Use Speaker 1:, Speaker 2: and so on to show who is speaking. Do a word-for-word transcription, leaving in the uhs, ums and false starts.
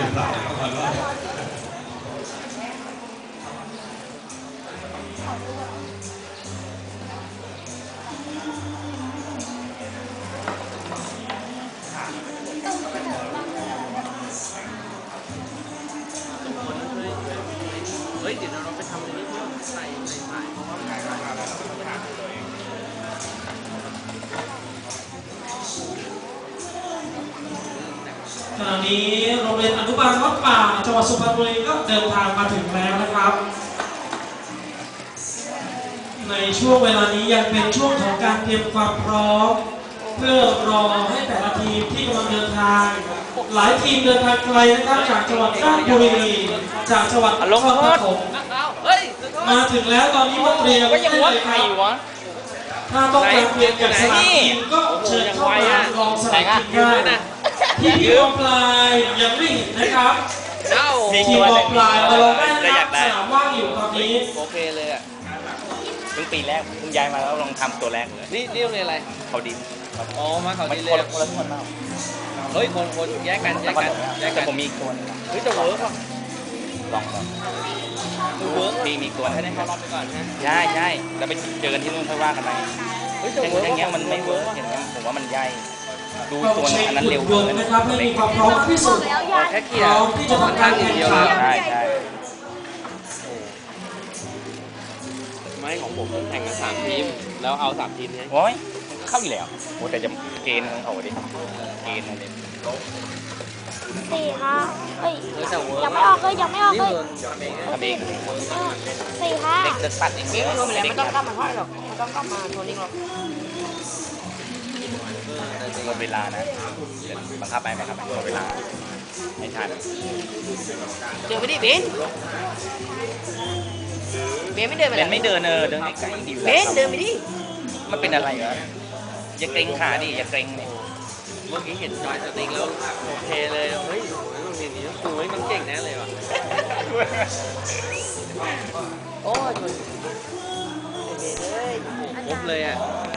Speaker 1: เฮ้ยเดี๋ยวเราไปทำในนี้ใส่ใส่ใส่เพราะว่า
Speaker 2: ขณะนี้โรงเรียนอนุบาลวัดป่าจังหวัดสุพรรณบุรีก็เดินทางมาถึงแล้วนะครับในช่วงเวลานี้ยังเป็นช่วงของการเตรียมความพร้อมเพื่อรอให้แต่ละทีมที่กำลังเดินทางหลายทีมเดินทางไกลนะครับจากจังหวัดราชบุรีจากจังหวัดนครปฐมมาถึงแล้วตอนนี้มาเตรียมได้เลยครับถ้าต้องการเปลี่ยนจากสนามทีมก็เชิญเข้ามาลองสนามทีมได้ที่พี่บอลปลายยังไม่เห็นนะครับทีมบอลปลายมาลองได้นะครับสนามว่างอยู่ตอนนี้
Speaker 1: โอเคเลยอ่ะ
Speaker 3: เพิ่งปีแรกเพิ่งย้ายมาแล้วลองทำตัวแรกเลย
Speaker 1: นี่นี่โรงเรียนอะไร
Speaker 3: เขาดิน
Speaker 1: อ๋อมาเขาดินเลย
Speaker 3: คนละคนมาก
Speaker 1: เฮ้ยคนคนแยกกันแยกกันแยกกัน
Speaker 3: ผมมีตัวนึง
Speaker 1: เฮ้ยจะเวิร์กป่ะ
Speaker 3: ลองลอง
Speaker 1: เวิร์ก
Speaker 3: มีมีตัว
Speaker 1: ให้ได้รอบไปก่อนนะ
Speaker 3: ใช่ใช่แล้วไปเจอกันที่นู่นค่อยว่ากันไปอย่างเงี้ยมันไม่เวิร์กอย่างเงี้ยผมว่ามันใหญ่ดูตัวอันนั้นเร็วเลย
Speaker 2: นะครับให้มีความพร้อมที่สุด
Speaker 1: แค่เกียร์
Speaker 2: ที่จะทำการแข่งขัน
Speaker 3: ใช่ใช่
Speaker 1: ไม่ของผมแข่งกันสามทีมแล้วเอาสามทีมนี้
Speaker 3: โอ้ยเข้าอยู่แล้วโอ้แต่จะเกณฑ์ของเขาดิเกณฑ์อะไร
Speaker 4: สี่ค่ะเฮ้ยยังไม่ออกเลยยังไม่ออกเลย
Speaker 3: ทำเอง
Speaker 4: สี่ค่ะ
Speaker 3: เด็กจะตัดเอง
Speaker 1: ไม่รวมแล้วไม่ต้องกลับมาห้อยหรอกไม่ต้องกลับมาโทนิ่งหรอก
Speaker 3: หมดเวลานะบังคับไปไหมครับหมดเวลาไม่ทัน
Speaker 1: เดินไปดิเบนเบนไม่เดินไป
Speaker 3: เบนไม่เดินเออเดินไกลๆดี
Speaker 1: เบนเดินไปดิ
Speaker 3: มันเป็นอะไรเหรออย่าเกรงขาดิอย่าเกรงเนี่ย
Speaker 1: เมื่อกี้เห็นจอยสติ๊กแล้วโอเคเลยเฮ้ยโรงเรียนนี้ครูไม่ต้องเก่งแน่เลยว่ะโอ้ยครบเลยอ่ะ